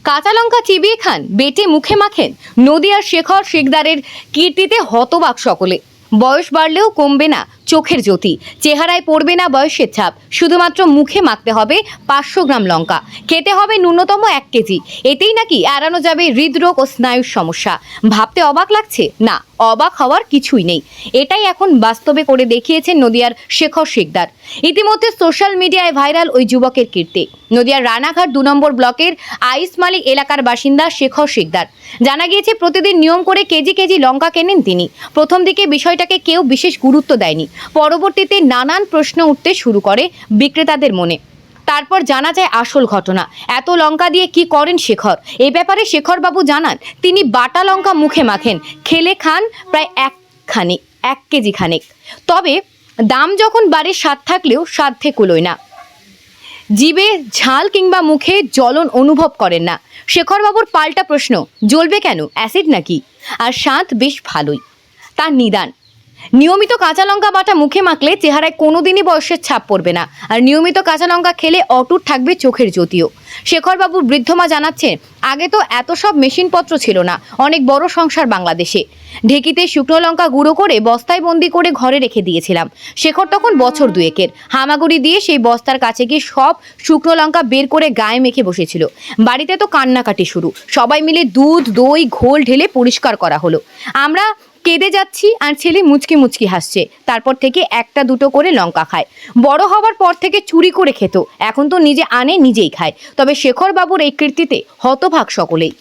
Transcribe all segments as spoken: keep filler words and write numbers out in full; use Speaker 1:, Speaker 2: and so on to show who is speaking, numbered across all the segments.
Speaker 1: কাঁচা লঙ্কা চিবিয়ে খান, বেটে মুখে মাখেন। নদিয়ার শেখর শিকদারের কীর্তিতে হতবাক সকলে। বয়স বাড়লেও কমবে না চোখের জ্যোতি, চেহারায় পড়বে না বয়সের ছাপ। শুধুমাত্র মুখে মাখতে হবে পাঁচশো গ্রাম লঙ্কা, খেতে হবে ন্যূনতম এক কেজি। এতেই নাকি এড়ানো যাবে হৃদরোগ ও স্নায়ুর সমস্যা। ভাবতে অবাক লাগছে? না, অবাক হওয়ার কিছুই নেই। এটাই এখন বাস্তবে করে দেখিয়েছেন নদিয়ার শেখর শিকদার। ইতিমধ্যে সোশ্যাল মিডিয়ায় ভাইরাল ওই যুবকের কীর্তি। নদিয়ার রানাঘাট দু নম্বর ব্লকের আইসমালি এলাকার বাসিন্দা শেখর শিকদার। জানা গিয়েছে প্রতিদিন নিয়ম করে কেজি কেজি লঙ্কা কেনেন তিনি। প্রথম দিকে বিষয়টাকে কেউ বিশেষ গুরুত্ব দেয়নি। পরবর্তীতে নানান প্রশ্ন উঠতে শুরু করে বিক্রেতাদের মনে। তারপর জানা যায় আসল ঘটনা। এত লঙ্কা দিয়ে কি করেন শেখর? এই ব্যাপারে শেখরবাবু জানান, তিনি বাটা লঙ্কা মুখে মাখেন, খেলে খান প্রায় এক খানিক এক কেজি খানেক। তবে দাম যখন বাড়ে, স্বাদ থাকলেও সাধ্যে কুলোয় না। জিভে ঝাল কিংবা মুখে জ্বলন অনুভব করেন না। শেখরবাবুর পাল্টা প্রশ্ন, জ্বলবে কেন? অ্যাসিড নাকি? আর স্বাদ বেশ ভালোই। তার নিদান, নিয়মিত কাঁচা লঙ্কা বাটা মুখে মাখলে চেহারায় কোনোদিনই বয়সের ছাপ পড়বে না। আর নিয়মিত কাঁচা লঙ্কা খেলে অটুট থাকবে চোখের জ্যোতিও। শেখরবাবুর বৃদ্ধমা জানাচ্ছেন, আগে তো এত সব মেশিনপত্র ছিল না। অনেক বড় সংসার বাংলাদেশে। ঢেকিতে শুকনো লঙ্কা গুঁড়ো করে বস্তায় বন্দি করে ঘরে রেখে দিয়েছিলাম। শেখর তখন বছর দুয়েকের। হামাগুড়ি দিয়ে সেই বস্তার কাছে গিয়ে সব শুকনো লঙ্কা বের করে গায়ে মেখে বসেছিল। বাড়িতে তো কান্নাকাটি শুরু। সবাই মিলে দুধ দই ঘোল ঢেলে পরিষ্কার করা হলো। আমরা কেঁদে যাচ্ছি আর ছেলে মুচকি মুচকি হাসছে। তারপর থেকে একটা দুটো করে লঙ্কা খায়। বড় হওয়ার পর থেকে চুরি করে খেত, এখন তো নিজে আনে নিজেই খায়। তবে শেখর বাবুর এই কীর্তিতে হতভাগ সকলেই।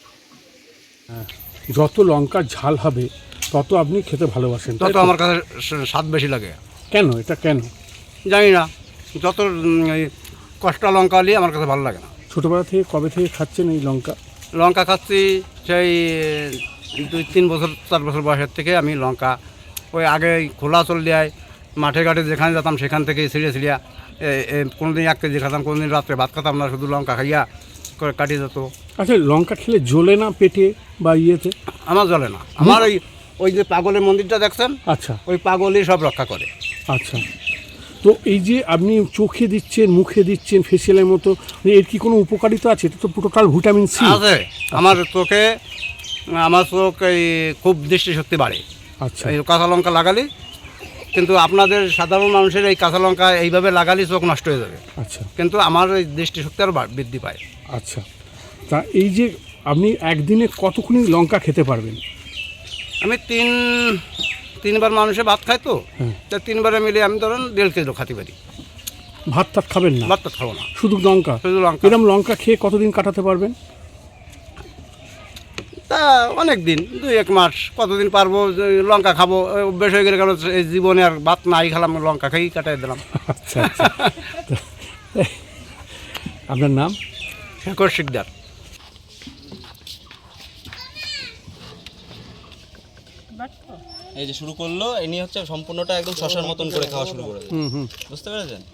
Speaker 2: যত লঙ্কার ঝাল হবে তত আপনি খেতে ভালোবাসেন,
Speaker 3: তত আমার কাছে স্বাদ বেশি লাগে।
Speaker 2: কেন? এটা কেন
Speaker 3: জানি না, যত কষ্টা লঙ্কা হলে আমার কাছে ভালো লাগে না।
Speaker 2: ছোটোবেলা থেকে কবে থেকে খাচ্ছেন এই লঙ্কা?
Speaker 3: লঙ্কা খাচ্ছি সেই দুই তিন বছর চার বছর বয়সের থেকে আমি লঙ্কা ওই আগে খোলা চল দেয় মাঠে ঘাটে যেখানে যেতাম সেখান থেকে ছিঁড়ে ছিঁড়িয়া কোনো দিন এক কেজি খাতাম, কোনো দিন রাত্রে ভাত খাতাম না, শুধু লঙ্কা খাইয়া করে কাটিয়ে যেত।
Speaker 2: আচ্ছা, লঙ্কা খেলে জ্বলে না পেটে বা ইয়েতে?
Speaker 3: আমার জ্বলে না। আমার ওই ওই যে পাগলের মন্দিরটা দেখছেন,
Speaker 2: আচ্ছা,
Speaker 3: ওই পাগলই সব রক্ষা করে।
Speaker 2: আচ্ছা। তো এই যে আপনি চোখে দিচ্ছেন, মুখে দিচ্ছেন ফেসিয়ালের মতো, এর কি কোনো উপকারিতা আছে? এটা তো টোটাল ভিটামিন সি
Speaker 3: আছে। আমার চোখে আমার চোখ এই খুব দৃষ্টিশক্তি বাড়ে।
Speaker 2: আচ্ছা,
Speaker 3: এই কাঁচা লঙ্কা লাগালে, কিন্তু আপনাদের সাধারণ মানুষের এই কাঁচা লঙ্কা এইভাবে লাগালে চোখ নষ্ট হয়ে যাবে।
Speaker 2: আচ্ছা,
Speaker 3: কিন্তু আমার এই দৃষ্টিশক্তি আরও বৃদ্ধি পায়।
Speaker 2: আচ্ছা। তা এই যে আপনি একদিনে কতক্ষণ লঙ্কা খেতে পারবেন?
Speaker 3: আমি তিন তিনবার মানুষে ভাত খাই তো,
Speaker 2: হ্যাঁ।
Speaker 3: তা তিনবারে মিলে আমি ধরেন দেড় কেজি খাতে পারি।
Speaker 2: ভাত টাত খাবেন না?
Speaker 3: ভাত তো খাবো না,
Speaker 2: শুধু লঙ্কা?
Speaker 3: শুধু লঙ্কা।
Speaker 2: এরকম লঙ্কা খেয়ে কতদিন কাটাতে পারবেন?
Speaker 3: তা অনেক দিন, দুই এক মাস, কতদিন পারবো। লঙ্কা খাবো অভ্যেস হয়ে গেলে, কারণ এই জীবনে আর ভাত নাই খেলাম, লঙ্কা খাই কাটাই দিলাম।
Speaker 2: আচ্ছা, আচ্ছা। আপনার নাম?
Speaker 3: শেখর শিকদার।
Speaker 4: এই যে শুরু করলো, ইনি হচ্ছে সম্পূর্ণটা একদম শশার মতন করে খাওয়া শুরু করে দেয়। বুঝতে পেরেছেন?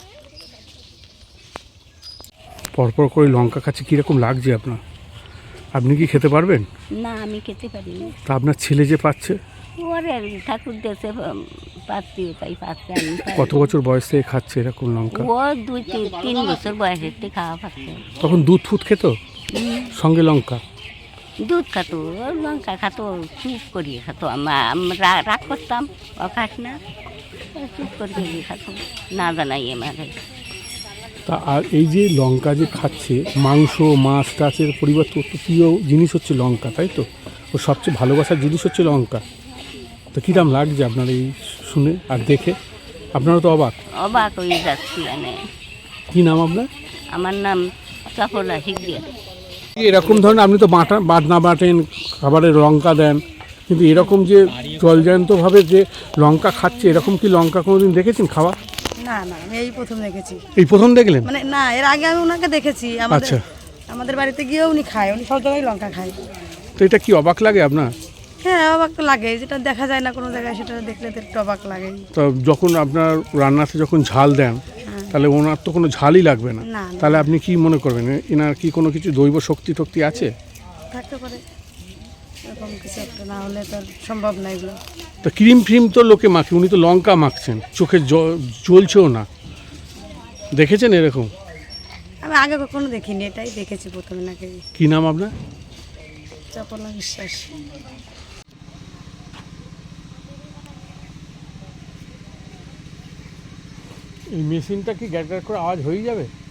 Speaker 2: পরপর করে লঙ্কা খাচ্ছে, কীরকম লাগছে আপনার? আপনি কি খেতে পারবেন?
Speaker 5: না, আমি খেতে পারি না।
Speaker 2: তা আপনার ছেলে যে পাচ্ছে?
Speaker 5: ওরে ঠাকুর দেশে পাচ্ছি, তাই পাচ্ছে। আমি পারি
Speaker 2: কত
Speaker 5: না।
Speaker 2: বছর বয়স থেকে খাচ্ছে এরকম লঙ্কা?
Speaker 5: ও দুই তিন তিন বছর বয়সের থেকে খাওয়া পাচ্ছে।
Speaker 2: তখন দুধ ফুট খেত সঙ্গে লঙ্কা?
Speaker 5: দুধ খাতো, ও লঙ্কা খাতো, চুপ করিয়ে খাতো। আমরা রাগ করতাম, ও খাস না, ও চুপ করিয়ে খাতো, না জানাই আমাকে।
Speaker 2: তা আর এই যে লঙ্কা যে খাচ্ছে, মাংস মাছ টাচের পরিবর্তে ওর তো প্রিয় জিনিস হচ্ছে লঙ্কা, তাই তো? ও সবচেয়ে ভালোবাসার জিনিস হচ্ছে লঙ্কা। তো কীরকম লাগছে আপনার এই শুনে আর দেখে? আপনারা তো অবাক?
Speaker 5: অবাক হয়ে যাচ্ছি মানে।
Speaker 2: কী নাম আপনার?
Speaker 5: আমার নাম চপলা শিখদিয়া।
Speaker 2: এরকম ধরনের আপনি তো বাটা বাটনা বাটেন, খাবারে লঙ্কা দেন, কিন্তু এরকম যে জলজান্তভাবে যে লঙ্কা খাচ্ছে, এরকম কি লঙ্কা কোনোদিন দেখেছেন খাওয়া?
Speaker 6: না না, আমি এই প্রথম দেখেছি।
Speaker 2: এই প্রথম দেখলেন?
Speaker 6: মানে না, এর আগে আমি ওনাকে দেখেছি। আমাদের
Speaker 2: আচ্ছা।
Speaker 6: আমাদের বাড়িতে গিয়েও উনি খায়, উনি সব জায়গায় লঙ্কা খায়।
Speaker 2: তো এটা কি অবাক লাগে আপনার?
Speaker 6: হ্যাঁ, অবাক তো লাগে, যেটা দেখা যায় না কোনো জায়গায়, সেটা দেখলে তো একটু অবাক লাগে।
Speaker 2: তো যখন আপনার রান্নাতে যখন ঝাল দেন, তাহলে ওনার তো কোনো ঝালই লাগবে না।
Speaker 6: না, না।
Speaker 2: তাহলে আপনি কি মনে করবেন, এনার কি কোনো কিছু দৈব শক্তি টক্তি আছে?
Speaker 6: থাকতে পারে, এরকম কিছু একটা, না হলে তো আর সম্ভব না এগুলো।
Speaker 2: তো ক্রিম ফ্রিম তো লোকে মাখে, উনি তো লঙ্কা মাখছেন, চোখে জ্বলছেও না। দেখেছেন এরকম?
Speaker 6: আমি আগে কখনো দেখিনি, এটাই দেখেছি প্রথমে নাকি।
Speaker 2: কি নাম আপনার?
Speaker 6: চপলা বিশ্বাস।
Speaker 2: এই মেশিনটা কি গ্যাট গ্যাট করে আওয়াজ হয়ে যাবে?